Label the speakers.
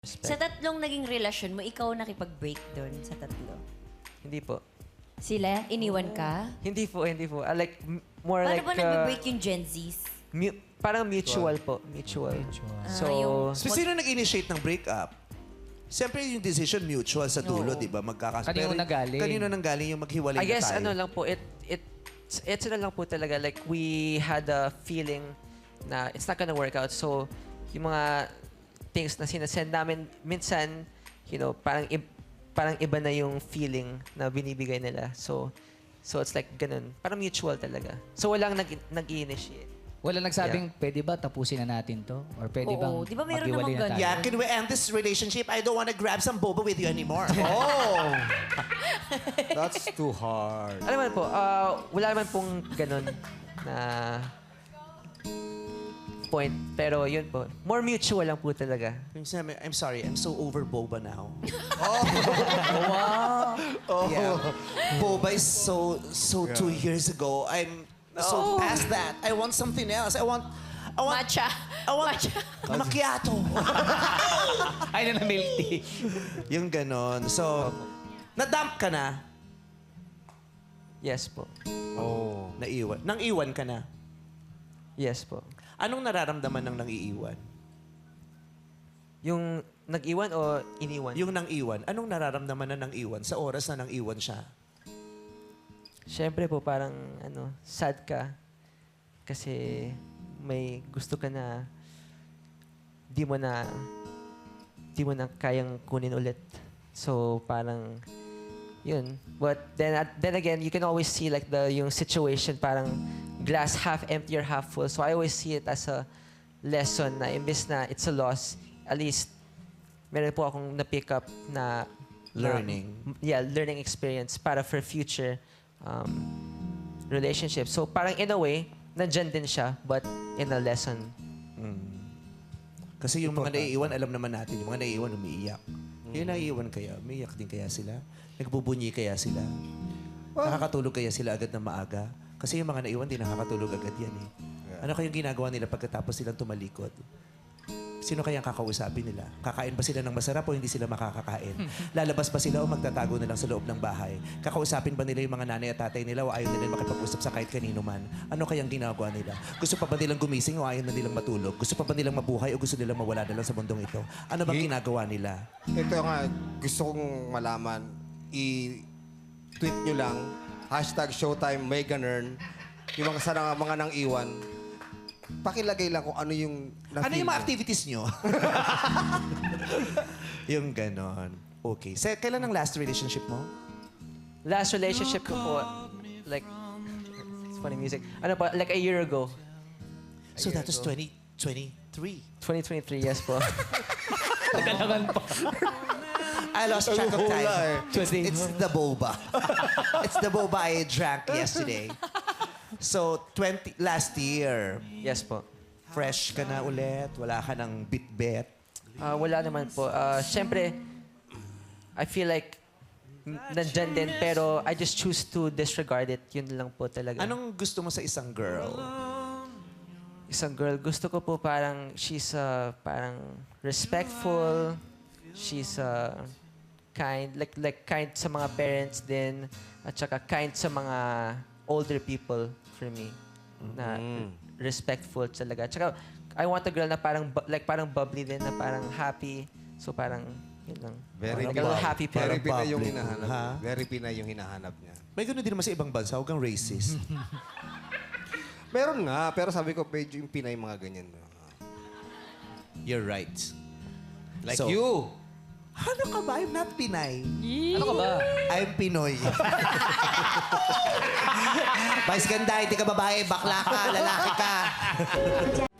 Speaker 1: Sa tatlong naging relasyon mo, ikaw nakipag-break doon sa tatlo?
Speaker 2: Hindi po.
Speaker 1: Sila? Iniwan ka?
Speaker 2: Hindi po, hindi po. Like, more
Speaker 1: Paano
Speaker 2: like...
Speaker 1: ba nag-break yung Gen Zs?
Speaker 2: Parang mutual po. Mutual. So,
Speaker 1: yung-
Speaker 3: So, sino nag-initiate ng breakup? Siyempre, yung decision mutual sa dulo,
Speaker 1: Oo.
Speaker 3: di ba?
Speaker 4: Kanino nanggaling?
Speaker 3: Kanino nanggaling yung maghiwalay
Speaker 2: I guess
Speaker 3: na tayo?
Speaker 2: ano lang po, it's na lang po talaga. Like, we had a feeling na it's not gonna work out. So, yung mga things na sinasend namin, minsan, you know, parang iba na yung feeling na binibigay nila. So it's like ganun. Parang mutual talaga. So, walang nag-initiate.
Speaker 4: Wala nagsabing, pwede ba tapusin na natin to? Or pwede
Speaker 1: Oo,
Speaker 4: bang
Speaker 1: di ba meron
Speaker 4: maghiwalay
Speaker 1: namang
Speaker 4: na tayo?
Speaker 1: ganyan?
Speaker 3: Yeah, can we end this relationship? I don't want to grab some boba with you anymore. Oh!
Speaker 5: That's too hard.
Speaker 2: Alam mo po, wala naman pong ganun na point. Pero yun po, more mutual lang po talaga.
Speaker 3: I'm sorry, I'm so over boba now.
Speaker 5: Oh.
Speaker 3: Yeah. Boba is so 2 years ago. I'm so past that. I want something else. I want
Speaker 1: Matcha.
Speaker 3: I want macchiato.
Speaker 4: Ay, na milk tea.
Speaker 3: Yung ganon. So, na-dump ka na.
Speaker 2: Yes po.
Speaker 5: Oh.
Speaker 3: Naiwan. Nang iwan ka na.
Speaker 2: Yes po.
Speaker 3: Anong nararamdaman ng nang-iiwan?
Speaker 2: Yung nag-iwan o iniwan?
Speaker 3: Yung nang-iwan, anong nararamdaman na nang-iwan sa oras na nang-iwan siya?
Speaker 2: Siyempre po, parang sad ka. Kasi may gusto ka na di mo na kayang kunin ulit. So, parang yun. But then again, you can always see like yung situation parang glass half empty or half full. So I always see it as a lesson na imbes na it's a loss, at least meron po akong na-pick up na
Speaker 3: Learning.
Speaker 2: learning experience para for future relationship. So parang in a way, nandyan din siya, but in a lesson.
Speaker 3: Kasi yung mga naiiwan, alam naman natin, yung mga naiiwan, umiiyak. Yung naiiwan kaya, umiiyak din kaya sila? Nagbubunyi kaya sila? Nakakatulog kaya sila agad na maaga? Kasi yung mga naiwan, di nakakatulog agad yan eh. Ano kayang ginagawa nila pagkatapos silang tumalikod? Sino kayang kakausapin nila? Kakain ba sila ng masarap o hindi sila makakakain? Lalabas ba sila o magtatago na lang sa loob ng bahay? Kakausapin ba nila yung mga nanay at tatay nila o ayaw nila makipag-usap sa kahit kanino man? Ano kayang ginagawa nila? Gusto pa ba nilang gumising o ayaw na nilang matulog? Gusto pa ba nilang mabuhay o gusto nilang mawala na lang sa mundong ito? Ano bang ginagawa nila?
Speaker 5: Ito nga, gusto kong malaman. I-tweet nyo lang, #Showtime May Ganern, yung mga nang iwan. Pakilagay lang kung ano yung
Speaker 3: Ano yung mga activities nyo? Yung ganon. Okay. Kailan ang last relationship mo?
Speaker 2: Last relationship ko po, like, it's funny music. Ano po, like a year ago.
Speaker 3: So that was 2023.
Speaker 2: 2023, yes po.
Speaker 4: Nagkalangan pa.
Speaker 3: I lost track of time.
Speaker 4: Tuesday.
Speaker 3: It's the boba. It's the boba I drank yesterday. So, last year,
Speaker 2: Yes po.
Speaker 3: fresh ka na ulit, wala ka ng bit-bet.
Speaker 2: Wala naman po. Siyempre, I feel like nandyan din, pero I just choose to disregard it. Yun lang po talaga.
Speaker 3: Anong gusto mo sa isang girl?
Speaker 2: Isang girl, gusto ko po parang she's parang respectful, she's kind, like kind sa mga parents din, at saka kind sa mga older people for me. Na respectful talaga. At saka, I want a girl na parang parang bubbly din, na parang happy. So parang, yun lang.
Speaker 5: Very
Speaker 2: like a little happy
Speaker 5: Very
Speaker 2: parang.
Speaker 5: Pinay yung
Speaker 3: bubbly.
Speaker 5: hinahanap.
Speaker 3: Ha?
Speaker 5: Very Pinay yung hinahanap niya.
Speaker 3: May gano'n din naman sa ibang bansa, huwag kang racist.
Speaker 5: Meron nga, pero sabi ko, medyo yung Pinay mga ganyan.
Speaker 3: You're right.
Speaker 5: Like
Speaker 3: So,
Speaker 5: you.
Speaker 3: Ano ka ba? I'm not Pinay.
Speaker 4: Ano ka ba?
Speaker 3: I'm Pinoy. Vice ganda, hindi ka babae, bakla ka, lalaki ka.